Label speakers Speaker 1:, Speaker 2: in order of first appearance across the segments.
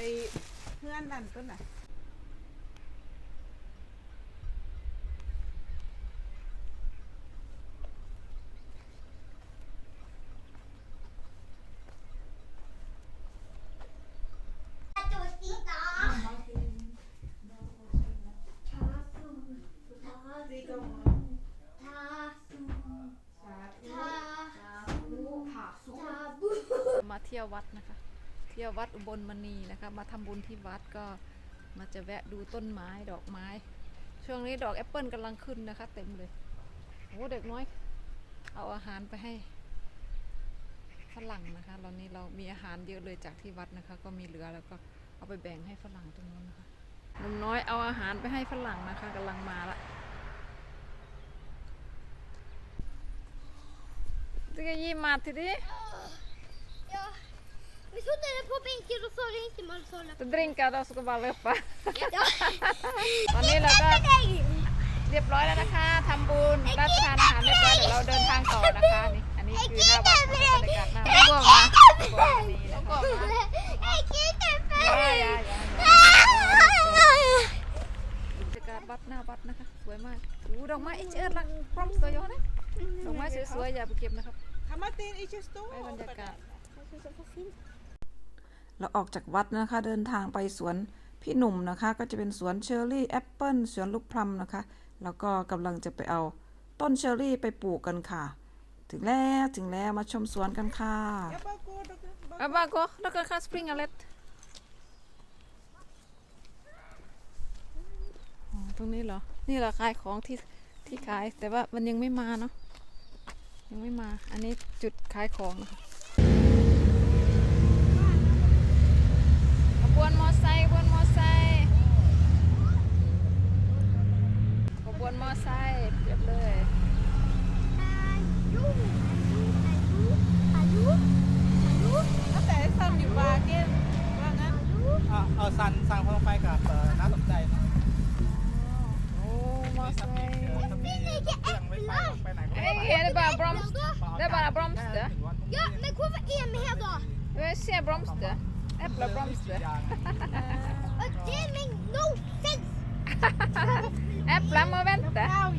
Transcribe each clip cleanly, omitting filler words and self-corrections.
Speaker 1: เพื่อนนั่นต้นน่ะ
Speaker 2: มาเที่ยววัดนะคะเที่ยววัดอุบลมณีนะคะมาทำบุญที่วัดก็มาจะแวะดูต้นไม้ดอกไม้ช่วงนี้ดอกแอปเปิลกำลังขึ้นนะคะเต็มเลยโอ้เด็กน้อยเอาอาหารไปให้ฝรั่งนะคะตอนนี้เรามีอาหารเยอะเลยจากที่วัดนะคะก็มีเหลือแล้วก็เอาไปแบ่งให้ฝรั่งตรงนู้นนะคะหนุ่มน้อยเอาอาหารไปให้ฝรั่งนะคะกำลังมาละSka ge mat till dig?
Speaker 3: Ja. Vi satt på bänken och så ringde man så.
Speaker 2: Du drinkar då ska bara löpa.
Speaker 3: Ja.
Speaker 2: ตอนนี้เราก็เรียบร้อยแล้วนะคะทำบุญรับประทานอาหารเรียบร้อยเดี๋ยวเราเดินทางต่อนะคะนี่อันนี้คือหน้าวัดบรรยากาศหน้าวัดก็มานี่นะคะบรรยากาศวัดหน้าวัดนะคะสวยมากดูดอกไม้เชิดละพร้อมสวยนะดอกไม้สวยๆอย่าไปเก็บนะครับไปบรรยากาศเราออกจากวัดนะคะเดินทางไปสวนพี่หนุ่มนะคะก็จะเป็นสวนเชอร์รี่แอปเปิลสวนลูกพลัมนะคะแล้วก็กำลังจะไปเอาต้นเชอร์รี่ไปปลูกกันค่ะถึงแล้วมาชมสวนกันค่ะบาโกแล้วก็ค่าสปริงอเลตตรงนี้เหรอนี่เหรอขายของที่ขายแต่ว่ามันยังไม่มาเนาะยังไม่มาอันนี้จุดขายของนะคะขบวนมอไซค์ขบวนมอไซค์ขบวนมอไซค์เรียบเลย
Speaker 1: แต่ซันอยู่บาร์เก็ตว่างั้น
Speaker 4: เอาสั่งเพิ่มไปกับน่าสนใจนะ
Speaker 2: โอ้มอไซค์
Speaker 4: ถ้ามีเครื่องไม่ไปไหนก็
Speaker 2: เอ้ยเห็นbara blomster det är bara blomster
Speaker 3: Ja, men hvorfor er vi her da?
Speaker 2: vi ser blomster äppelblomster
Speaker 3: Og det make no sense.
Speaker 2: äpplen må vänta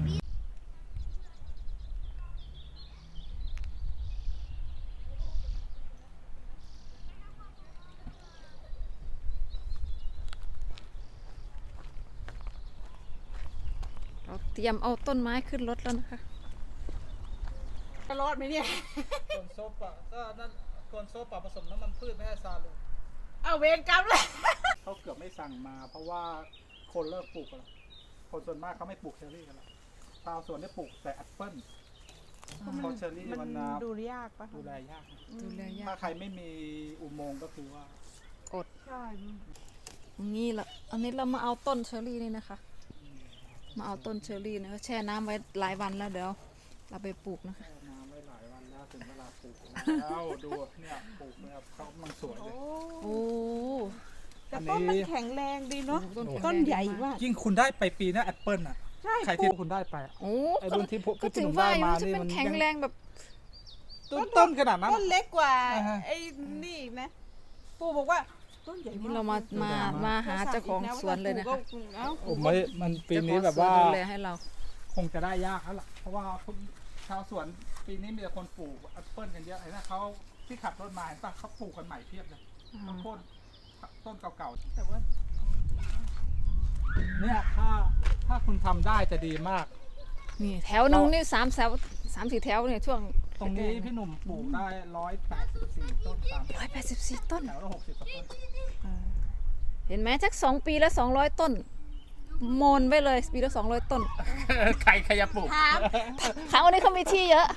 Speaker 2: เราเตรียมเอาต้นไม้ขึ้นรถแล้วนะคะ
Speaker 1: จะรอดไหมเนี่ย
Speaker 4: คนโซปะก็นั่นคนโซปะผสมน้ำมันพืชไม่ให้ซาลู
Speaker 1: เอาเวรกรรมเลย
Speaker 4: เขาเกือบไม่สั่งมาเพราะว่าคนเลิกปลูกกันแล้วคนส่วนมากเขาไม่ปลูกเชอร์รี่กันแล้วชาวสวนได้ปลูกแต่แอปเปิ้ลเพราะเชอร์รี่มัน
Speaker 1: ดูยากปะ
Speaker 4: ดูแลยาก
Speaker 2: ดูแลยา
Speaker 4: ถ้าก ใครไม่มีอุโมงค์ก็คือว่า
Speaker 2: อด
Speaker 1: ใช่
Speaker 2: งี้ละอันนี้เรามาเอาต้นเชอร์รี่นี่นะคะมาเอาต้นเชอร์รี่นะแช่น้ำไว้หลายวันแล้วเดี๋ยวเราไปปลูกนะคะ
Speaker 4: แช่น้ำไว้หลายวันแล้วถึงเวลาปลูกแล้วดูเนี่ยปลูกเนี่ยเขากำลังสวยเลย
Speaker 2: โอ้
Speaker 1: แต่ต้นมันแข็งแรงดีเนาะต้นใหญ่มาก
Speaker 4: ยิ่งคุณได้ไปปีหน้าแอปเปิ้ลอ่ะ
Speaker 1: ใช่
Speaker 4: ใครที่คุณได้ไปอะ
Speaker 2: โอ้
Speaker 4: ไอ้รุ่นที่พวก
Speaker 2: ก็ถึง
Speaker 4: ที่ผม
Speaker 2: ว่า
Speaker 4: ได้
Speaker 2: อยู่
Speaker 4: มา
Speaker 2: จะ
Speaker 4: นี่
Speaker 2: เป็น
Speaker 4: มัน
Speaker 2: แข็งแรงแบบ
Speaker 4: ต้นขนาดนั้น
Speaker 1: ต้นเล็กกว่า
Speaker 4: อ่าฮะ
Speaker 1: ไอ้นี่อีกนะปู่บอกว่าต้นใหญ่
Speaker 2: นี่
Speaker 1: มาก
Speaker 2: เรามาหาเจ้าของสวนเลยนะคะ
Speaker 4: ผมไม่มันปีนี้แบบว่า
Speaker 2: เจ้ของสนดูแลให้เรา
Speaker 4: คงจะได้ยากแล้วล่ะ เพราะว่าชาวสวนปีนี้มีแต่คนปลูกแอปเปิ้ลกันเยอะไอ้นั่นเขาที่ขับรถมาเห็นปะเขาปลูกกันใหม่เพียบเลยเขาโค่นต้นเก่าๆแต่ว่าเนี่ยถ้าคุณทำได้จะดีมาก
Speaker 2: นี่แถวหนึงนี่3-4 แถวเนี่ยช่วง
Speaker 4: ตรงนี้พี่หนุ่มปลูกได้184ต้น
Speaker 2: 184 ต้น
Speaker 4: แถวละ60กว่าต้น
Speaker 2: เห็นไหมสัก2 ปีแล้ว200 ต้นโมนไปเลยปีละ200 ต้น
Speaker 4: ใครจะปลูก
Speaker 2: ทางวันนี้เขามีที่เยอะ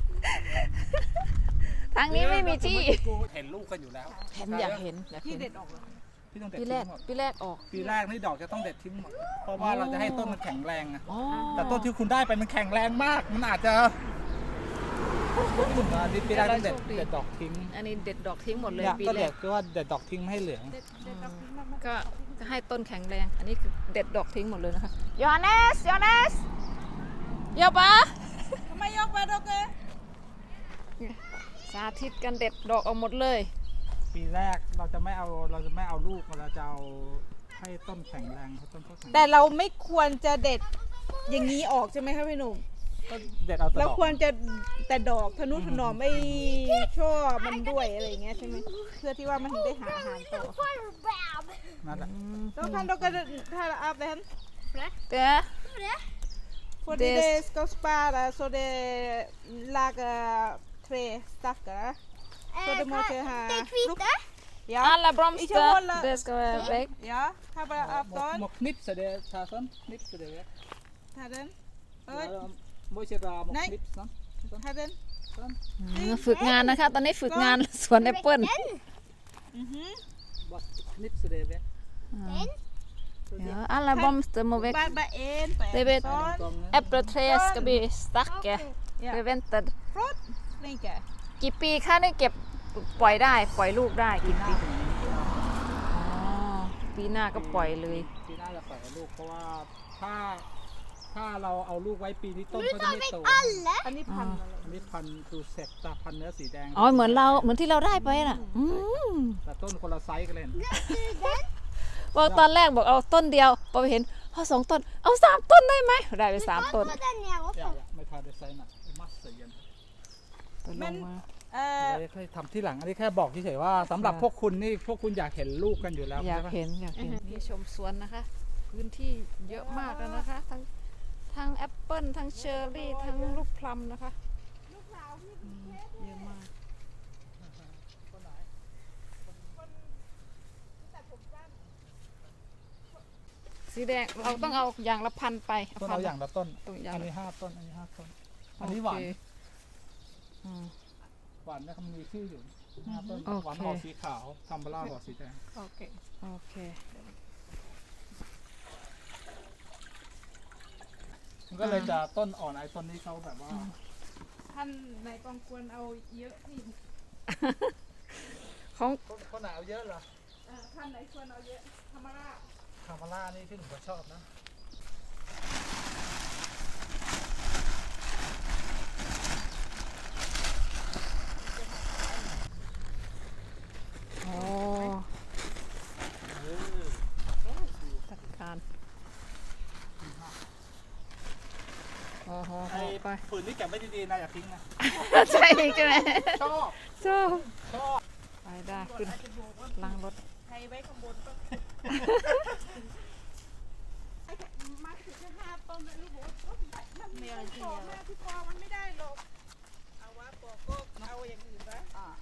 Speaker 2: ทางนี้ไม่มีที่
Speaker 4: เห็นลูกกันอยู่แล้ว
Speaker 2: เห็นอยากเห็น
Speaker 1: ที่เด็ดออกเลย
Speaker 4: พี่ต้องเด็ด
Speaker 2: ปี
Speaker 4: ทิ้
Speaker 2: แรก
Speaker 4: งหมด
Speaker 2: ปีแรกออก
Speaker 4: ปีแรกนี่ดอกจะต้องเด็ดทิ้งหมด เพราะว่าเราจะให้ต้นมันแข็งแรงอะ
Speaker 2: อ๋อ
Speaker 4: แต่ต้นที่คุณได้ไปมันแข็งแรงมาก มันอาจจะปีแรกต้องเด็ดดอกทิ้ง
Speaker 2: อันนี้เด็ดดอกทิ้งหมดเลย
Speaker 4: เนี่ย
Speaker 2: ปี
Speaker 4: ก็
Speaker 2: แร
Speaker 4: เด็
Speaker 2: ก
Speaker 4: ดก็ว่าเด็ดดอกทิ้งไม่ให้เหลือง
Speaker 2: ก็จะให้ต้นแข็งแรง อันนี้คือเด็ดดอกทิ้งหมดเลยนะคะยอเนสยอเนสเยอะปะ
Speaker 1: ทำไมยกไปดอกเก
Speaker 2: สาธิตกันเด็ดดอกออกหมดเลย
Speaker 4: ปปีแรกเราจะไม่เอาลูกเราจะเอาให้ต้นแข็งแรงให้ต้นเขาแข็ง
Speaker 1: แต่เราไม่ควรจะเด็ดอย่างนี้ออกใช่ไหมคะพี่หนุ่ม
Speaker 4: ก็เด็ดเอาแต่ด
Speaker 1: เรา
Speaker 4: อก
Speaker 1: ควรจะแต่ดอกทนุถนอมไม่ช่อมันด้วยอะไรอย่างเงี้ยใช่ไหมเพื่อที่ว่ามันถึงได้หาอาหารต่อ
Speaker 3: Bam!
Speaker 4: นั่นแหละ
Speaker 1: แล้วkan dere ta av den?
Speaker 2: Det
Speaker 1: Fordi
Speaker 2: Det-
Speaker 1: det skal spare så det lager 3 stykker. Så det må ikke ha
Speaker 3: Det hvite?
Speaker 1: Ja.
Speaker 2: Alle
Speaker 1: Ikke
Speaker 2: blomster,
Speaker 1: holde-
Speaker 2: det skal være vekk.
Speaker 1: Ja, ta bare av
Speaker 4: må
Speaker 1: den.
Speaker 4: knipse det ta sånn knipse det vekk
Speaker 1: Ta den.
Speaker 4: ja,
Speaker 1: Oi,
Speaker 4: da må ikke ra må
Speaker 1: Nei.
Speaker 4: knipse sånn
Speaker 1: ta den.
Speaker 4: sånn
Speaker 2: ฝึกงานนะคะ ตอนนี้ฝึกงานสวนแอปเปิ้ล
Speaker 1: Mhm.
Speaker 4: bare knipse det vekk
Speaker 3: Den?
Speaker 2: Ja, alle blomster må vekk.
Speaker 1: Bare en på
Speaker 2: Det
Speaker 1: en.
Speaker 2: vet-
Speaker 1: Sånn.
Speaker 2: Epletre skal bli sterke.
Speaker 1: Ja.
Speaker 2: Prevented.
Speaker 1: Flott. Linke.
Speaker 2: กี่ปีคะนี่เก็บปล่อยได้ ปล่อยลูกได้กี่ปีอ๋อปีหน้าก็ปล่อยเลย
Speaker 4: ปีหน้าจะปล่อยลูกเพราะว่าถ้าเราเอาลูกไว้ปีนี้ต้น
Speaker 3: Men
Speaker 4: ก็
Speaker 3: du
Speaker 4: จะ
Speaker 3: tar
Speaker 4: ไม่
Speaker 3: vekk
Speaker 4: โต
Speaker 3: alle.
Speaker 1: อันนี้พันอะไร
Speaker 4: อันนี้พันธุ์ดูเซ็ตตาพันธุ์เนื้อสีแดง
Speaker 2: อ๋อเหมือนที่เราได้ไปน่ะ
Speaker 4: แต่ต้นคนละไซส์กันเลย
Speaker 2: บอกตอนแรกบอกเอาต้นเดียวพอไปเห็นเอา2 ต้น เอา3 ต้นได้ไหมได้ไป
Speaker 3: Du
Speaker 2: 3
Speaker 3: kan
Speaker 2: ต้น
Speaker 3: få den ned
Speaker 4: อย่า
Speaker 3: også.
Speaker 4: ไม่ทาได้ไซส์น่ะมัสเย็น
Speaker 2: ต้นลงมา
Speaker 4: ไม่เคยทำที่หลังอันนี้แค่บอกเฉยๆว่าสำหรับพวกคุณนี่พวกคุณอยากเห็นลูกกันอยู่แล้ว
Speaker 2: อยาก
Speaker 4: ใช่ปะ
Speaker 2: เห็นนี่ชมสวนนะคะ พื้นที่เยอะมากแล้วนะคะ ทั้งแอปเปิ้ลทั้งเชอร์รี่ทั้งลูกพลัมนะคะเยอะมากสีแดงเราต้องเอาอย่างละพันไป
Speaker 4: ต้นเอาอย่างละต้น
Speaker 2: ต้นอย่าง
Speaker 4: อันนี้
Speaker 2: ละ
Speaker 4: 5 ต้นอันนี้5 ต้นอันนี้หวาน
Speaker 2: โอเคอืม
Speaker 4: หวานเนี่ยเขามีชื่ออยู่5 ต้น
Speaker 2: โอเค
Speaker 4: หวานห่อสีขาวทัมเบล่าห่อสีแดง
Speaker 1: โอเค
Speaker 2: โอเค
Speaker 4: มันก็เลยจะต้นอ่อนไอ้ต้นนี้เขาแบบว่า
Speaker 1: ท่านไหนกองควรเอาเยอะนี่
Speaker 2: ของ
Speaker 4: เขาหนาวเยอะเหรอ
Speaker 1: ท่านไหนควรเอาเยอะธรรมราช
Speaker 4: คามาล่านี่ที่หนูก็ชอบนะ
Speaker 2: โอ้จัดการโอ้โห
Speaker 4: ไอ้
Speaker 2: ไป
Speaker 4: ฝืนนี่เก็บไว้ดีๆนะอย่าทิ้งนะ
Speaker 2: ใช่ใช่ไหม
Speaker 4: ชอบ
Speaker 2: ชอบ
Speaker 4: ชอบ
Speaker 2: ไปได้ขึ้นล้างรถ
Speaker 1: ใครไว้ข้างบนก็ไอ้มาถึงแค่5 ต้นแล้วลูกบอกว่าต้นใหญ่มันมีปอกแม่ที่ปอกมันไม่ได้หรอกเอาว่าปอกก็เอาอย่างอื่นนะ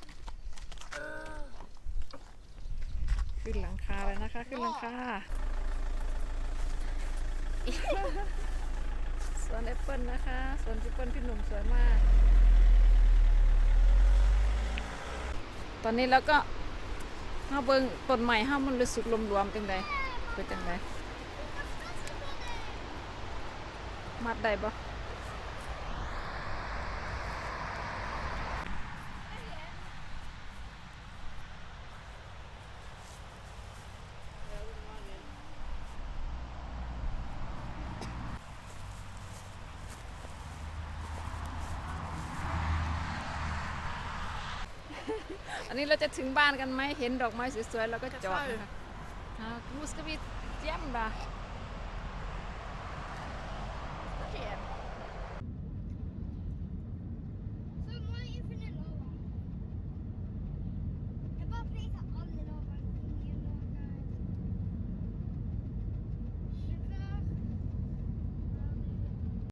Speaker 2: ขึ้นหลังคาเลยนะคะ ขึ้นหลังคาสวนแอปเปิลนะคะสวนแอปเปิลพี่หนุ่มสวยมาก ตอนนี้แล้วก็ห้าเบิงต้นใหม่ห้ามันเลยสุกรวมๆจังใดเป็นจังใดมัดได้ปะอันนี้เราจะถึงบ้านกันไหมเห็นดอกไม้สวยๆเราก็จอดนะคะกูสกบีเจียมบ่า